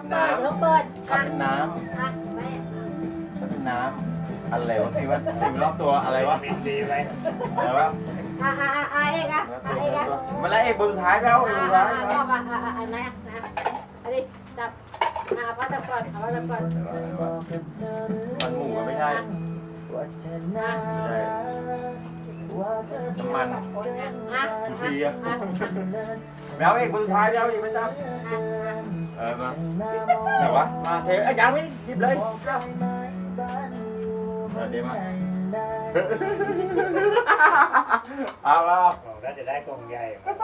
น้ำเดี๋ยวเปิดถ้าเป็นน้อ่ะแม่ำถ้าเป็นน้ำอะไรวะที่ว่าสิ่งรอบตัวอะไรวะบินดีไปอะไรวะเอกอ่ะเอกอ่ะมันแล้วเอกบนสุดท้ายแล้วบนสุดท้ายก็มาอันไหนนะอันนี้จับป้าจับก่อนป้าจับก่อนมันหมูก็ไม่ใช่น้ำมันอ่ะทีอะแมวเอกบนสุดท้ายแล้วอีกไม่จับมาไหนวะมาเทยังไม่หยิบเลยเดี๋ยวมาเอาแล้วบอกว่าจะได้กล่องใหญ่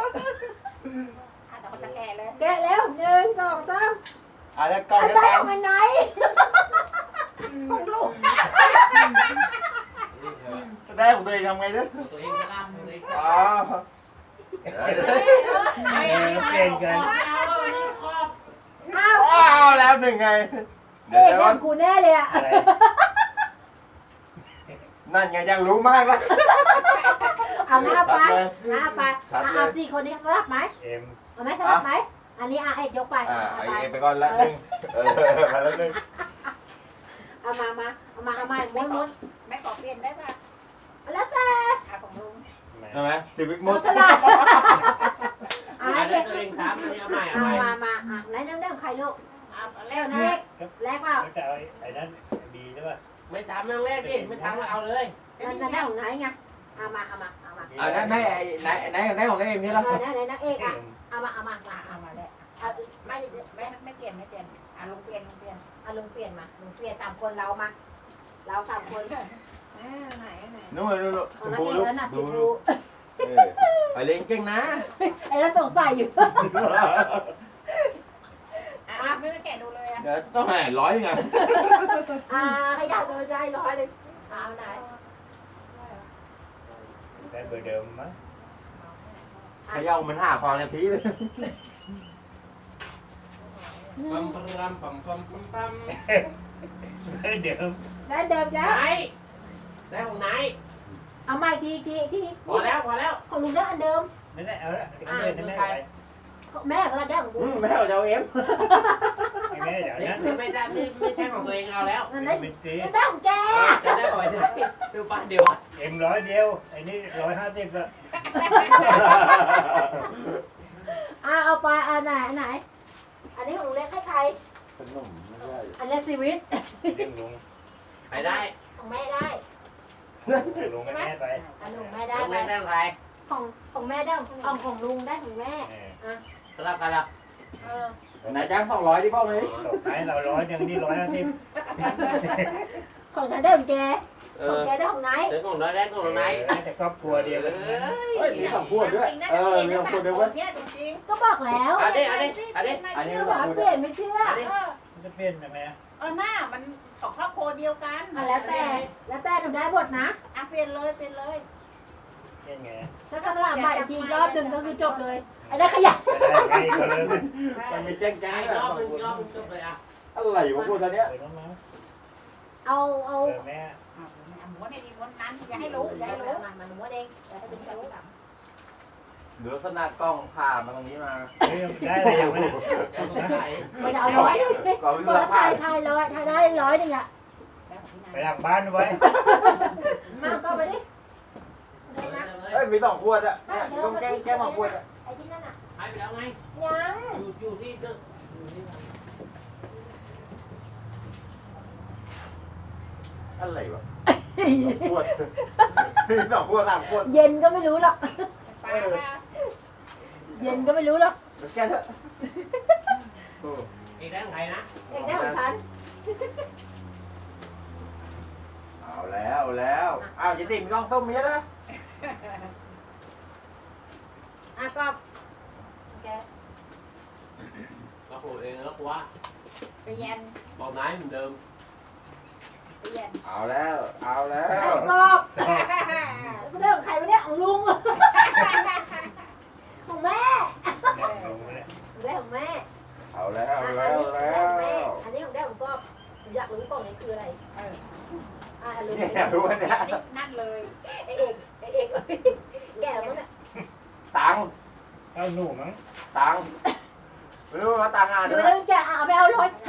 แกะแล้ว1 2 3 อะไรกล่องอันจะไหนแตกมันไหนของลูกจะได้ของตัวเองทำไงเนี่ยตัวเองก็ล่ำตัวเองอ๋อเปลี่ยนกันอ้าวเอาแล้วหนึ่งไงเอกยังกูแน่เลยอ่ะนั่นไงยังรู้มากแล้วเอาหน้าไปเอา4 คนนี้สลับไหมเอ็มเอาไหมสลับไหมอันนี้เอกยกไปไอไปก่อนละหนึ่งไปแล้วหนึ่งเอามาม้วนแม่ขอเปลี่ยนได้ป่ะแล้วแต่อาของลุงใช่ไหมชีวิตมุมุดตลาดอันนี้ตัวเองทำอันนี้เอาใหม่เอาใหม่มาไหนเรื่องใครลูกเอาแล้วนะเอกแรกเปล่าแต่ไอ้นั้นดีใช่ป่ะไม่ทำเรื่องแรกดิไม่ทำก็เอาเลยนั่นของไหนไงเอามานั่นไม่ไหนของเอ็มนี่แล้วไหนนางเอกอ่ะเอามาเอามาแล้วไม่เปลี่ยนอ่ะลุงเปลี่ยนเอาลุงเปลี่ยนมาลุงเปลี่ยนตามคนเรามาเราตามคนไหนนู่นของนางดูเอกลูกแล้วน่ะดูดูไปเลี้ยงเก่งนะไอ้แล้วสงสัยอยู่อ่ะไม่แกะดูเลยอ่ะเดี๋ยวต้องให้100ยังไงขยับตัวใจ100เลยเอาไหนได้เบอร์เดิมมั้งขย่ามันหาความในพีเลยปั๊มปั๊มปั๊มปั๊มปั๊มปั๊มเดิมได้เดิมจ้ะไหนได้ของไหนเอาใหม่ทีพอแล้วพอแล้วของลุงได้อันเดิมนั่นแหละเอาละอันเดิมนั่นแหละไปแม่ก็ได้ของกูแม่เอาเอ็มแม่เดี๋ยวนั้นนี่ไม่ได้ไม่ใช่ของตัวเองเอาแล้วนั่นได้เป็นสีได้ของแกจะได้ก่อนดูป้าเดียวเอ็ม100เดียวไอ้นี่150ละเอาไปอันไหนอันนี้ของลุงเล็กให้ใครขนมไม่ได้อันนี้ชีวิตเรื่องลุงไปได้ของแม่ได้ลุงแม่ไปอันลุงแม่ได้ต้องไปไม่ได้อะไรของแม่ได้ของลุงได้ของแม่อ่ะสลับกันแล้วไหนจ้าง200ดิพ่อไหมตกท้ายเรา100ยังนี่150 ของฉันได้ของแกของแกได้ของไหนเดี๋ยวของน้อยได้ของไหนแต่ครอบครัวเดียวกันเฮ้ยมี2ขวดด้วยมี2ขวดด้วยเว้ยเนี่ยจริงก็บอกแล้วอันนี้อันนี้ไม่บอกเปลี่ยนไม่เชื่อจะเป็นยังไงหน้ามันของครอบครัวเดียวกันแล้วแต่หนูได้หมดนะอ่ะเปลี่ยนเลยเป็นไงถ้าก็ตลาดใหม่อีกทีรอบนึงก็คือจบเลยไอ้ได้ขยะได้ไงก็เลยมันมีแจ้งไอ้รอบนึงจบเลยอ่ะอะไรวะพวกท่านเนี้ยเปิดมาเอาเจอแม่ม้วนในดีม้วนนั้นอย่าให้รู้มันหนูเองอย่าให้ลุงรู้เหลือขนาดกล้องผ่ามาตรงนี้มาได้เลยยังไม่ไม่ได้เอา100 กล้องวิศตัววะไทยได้100นึงอ่ะไปหลังบ้านไว้มาก็ไปดิเอ้ยมี2ขวดอ่ะต้องแก้2ขวดอ่ะไอ้ที่นั่นอ่ะหายไปแล้วไงยังอยู่ที่ตึกอยู่ที่อะไรวะขวด2ขวด3ขวดเย็นก็ไม่รู้หรอกปลาปลาเย็นก็ไม่รู้หรอกแก้เถอะอีกได้ของใครนะเด็กได้ของฉันเอาแล้วอ้าวจะติ่มกล้องส้มมีแล้วก็แกเราโหดเองแล้วกูว่าไปเย็นบอกไหนเหมือนเดิมไปเย็นเอาแล้วกอบไม่ได้ของใครวะเนี่ยของลุงของแม่ได้ของแม่เอาแล้วอันนี้ของได้ของกอบอยากรู้กล่องนี้คืออะไรลุงเนี่ยรู้ว่าเนี่ยนั่นเลยเอกแกแล้วมั้งเนี่ยตังค์เอาหนูมั้งตังค์ไม่รู้ว่าตังค์อ่ะดูด้วยแล้วแกเอาไปเอา100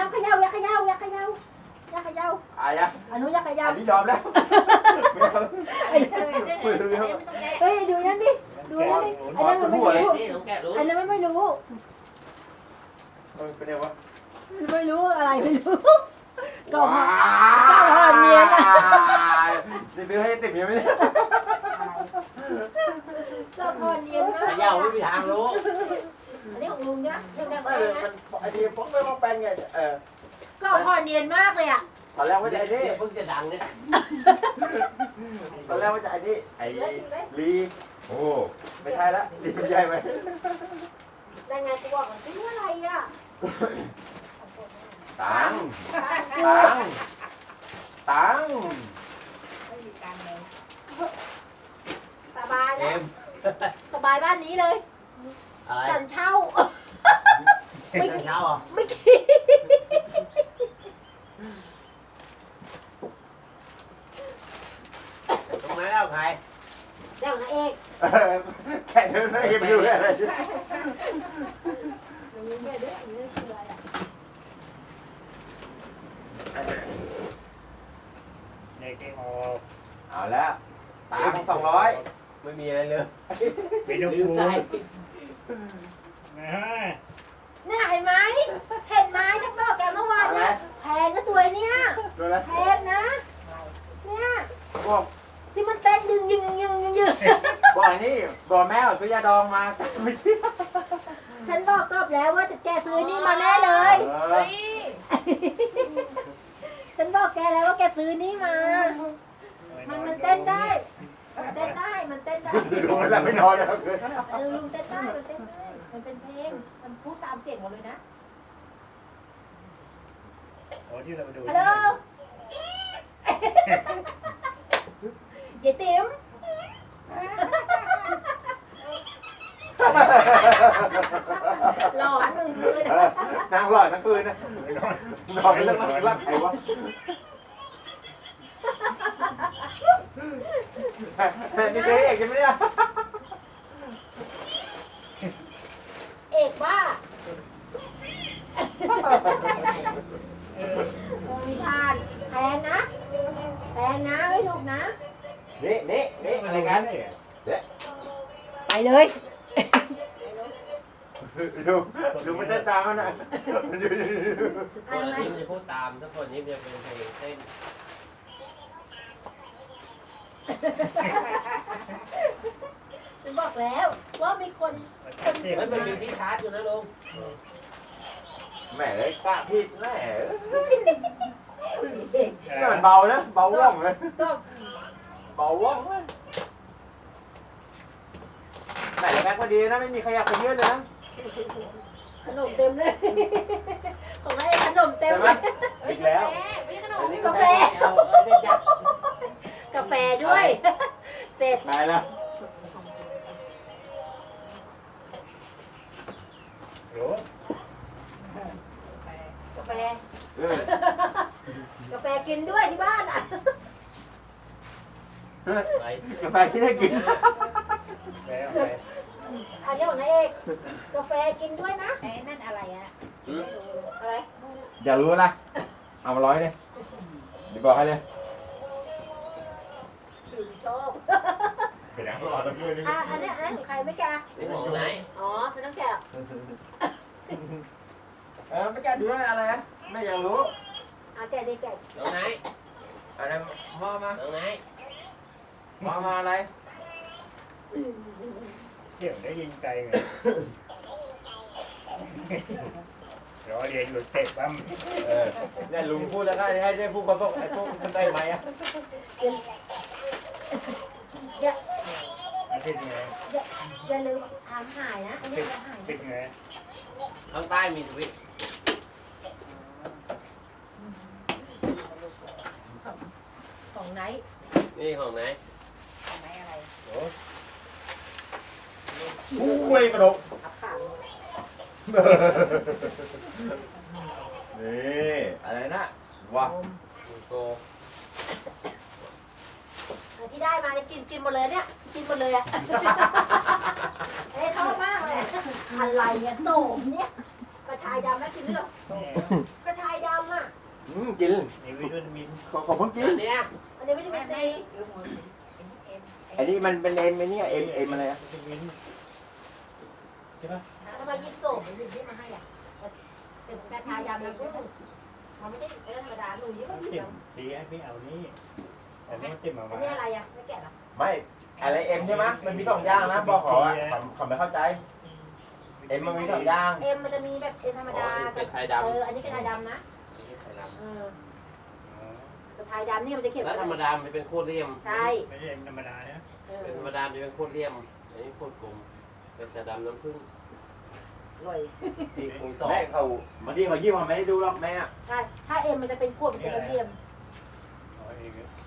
นี้ยอมแล้วไม่เอาไอ้เจ๊ไม่ต้องแก้เฮ้ยดูนั่นดิดูนั่นดิไอ้นั่นมันไม่รู้นี่ต้องแกะรู้ไอ้นั่นมันไม่รู้เป็นไงวะมันไม่รู้อะไรไม่รู้ก็ว้าห่อเนียนอะจะซื้อให้ติดเมียไหมเนี่ยก็ห่อเนียนมากเขย่าไม่มีทางรู้อันนี้ของลุงเนี่ยยังไงมันไอ้ทีผมไม่มาแปลงไงก็ห่อเนียนมากเลยอ่ะตอนแรกว่าจะไอ้นี่เพิ่งจะดังเนี่ยตอนแรกว่าจะไอ้นี่ไอ้ลีโอ้ไม่ใช่ละลีไม่ใช่ไหมได้ไงกูบอกมันซื้ออะไรอ่ะตังตังไม่มีการเลยสบายเอ็นะมสบายบ้านนี้เลยอะไรสันเช่าไม่เช้าอ่ะไม่คิดตรงไหนแล้วใครเดี๋ยวนะเอกแค่เดินไม่เห็นอยู่อะไรตรงนี้แม่ด้วยอันนี้คืออะไรอ่ะในเกมออกเอาแล้วตัง200 ไม่มีอะไรเลยไม่ต้องลืกมลัวใจนะฮะเนี่ยเห็นไหมเห็นไหมฉันบอกแกเมื่อวานเนี่ยแพงนะตัวเนี้ยดูแลแพงนะ เนี่ยบอกที่มันเต้นยึงบอกนี่บอกแม่ซื้อยาดองมาไม่คิดฉันบอกตอบแล้วว่าจะแกซื้อนี่มาแน่เลย ฉันบอกแกแล้วว่าแกซื้อนี่มา มันเต้นได้ มันเต้นได้ มันเต้นได้ดูแล้วไม่นอนแล้วลุงเต้นได้ มันเต้นได้ มันเป็นเพลง มันพูดตามเสียงหมดเลยนะโอ้ที่เราไปดูฮัลโหลเจ๊ติ๋ม หลอนมึงเลยนะนางหลอดทั้งคืนนะนอนเป็นเรื่องรักใครวะนี่เคยเอกใช่ไหมเนี่ยเอกบ้ามีทานแพงนะแพงนะไม่ถูกนะนี่อะไรกันเด็ไปเลยดูมันเต้นตามมันนะคนนี้มันจะพูดตามถ้าคนนี้จะเป็นเพลงเต้นฉันบอกแล้วว่ามีคนมันเป็นที่ชาร์จอยู่นะลุงแหมเลยกล้าผิดแหมเด็กนี่มันเบานะเบาว่องเลยก็เบาว่องเลยไหนแม็กพอดีนะไม่มีใครอยากไปเยอะเลยนะขนมเต็มเลย ของไอ้ขนมเต็มใช่ไหมเลยอีกแล้วไม่ใช่ขนอัมนนี้กาแฟเอาเล่นยักษ์กาแฟด้วย เสร็จตายแล้วโอ้กาแฟเออกาแฟกินด้วยที่บ้านอ่ะไปกาแฟที่ได้กินแล้วไปอันนี้ของนายเอกกาแฟกินด้วยนะไอ้นั่นอะไรอ่ะอะไรอยากรู้นะเอามา100เลยเดี๋ยวบอกให้เลยชอบไปนั่งรอแล้วด้วยนี่อันนี้ของใครไม่แกะนี่ของไหนอ๋อไม่ต้องแกะไม่แกดูด้วยอะไรนะไม่อยากรู้แกะดิแกะตรงไหนอะไรพ่อมาตรงไหนพ่อมาอะไรเที่ยวได้ยิงใจไงรอเรียนอยู่เตะปั๊มเนี่ยลุงพูดแล้วก็ให้ได้พูดคนต้องไอ้พวกคนได้ไหมอ่ะอย่ามันเป็นไงอย่าลืมทำหายนะอันนี้เป็นจะหายเป็นไงข้างใต้มีสวิตช์ของไหนนี่ของไหนไหนอะไรโอ้อุ้ยกระโดดอับขานี่อะไรนะว้าโกที่ได้มาเนี่ยกินหมดเลยเนี่ยกินหมดเลยอ่ะเอ้ชอบมากเลยอะไรอ่ะโสมเนี่ยกระชายดำนะกินด้วยหรอกระชายดำอ่ะกินนี่วิตามินขอเพิ่งกินอันเนี้ยอันนี้วิตามินซีไอ้นี่มันเป็นเอ็มไอ้เนี่ยเอ็มอะไรอะวิตามินใช่ปะทำไมยิบโสมถึงที่มาให้อ่ะเป็นกระชายยำน้ำผึ้งมันไม่ใช่ธรรมดาหนูยิ้มเอาไม่เต็ยิ้มมดีไอ้ไม่เอานี่แต่นี่เต็มมาอันนี้อะไรอ่ะไม่แกะหรอไม่อะไรเอ็มใช่ไหมมันมีสองอย่างนะบอกขออ่ะเขาไม่เข้าใจเอ็มมันมีสองอย่างเอ็มมันจะมีแบบเอ็มธรรมดาเป็นไข่ดำอันนี้กระชายดำนะไข่ดกระชายดำนี่มันจะเขียนำแล้วธรรมดามันเป็นโคตรเลี่ยมใช่ไม่ใช่ธรรมดานะเป็นธรรมดามันจะเป็นโคตรเลี่ยมอันนี้โคตรกลมเป็นชาดำน้ำผึ้งอร่อยที่กรุงสองแม่เขาบางทีเขายิ้มเขาไม่ได้ดูหรอกแม่ใช่ถ้าเอ็มมันจะเป็นขวดมันจะเรียมเอาเอง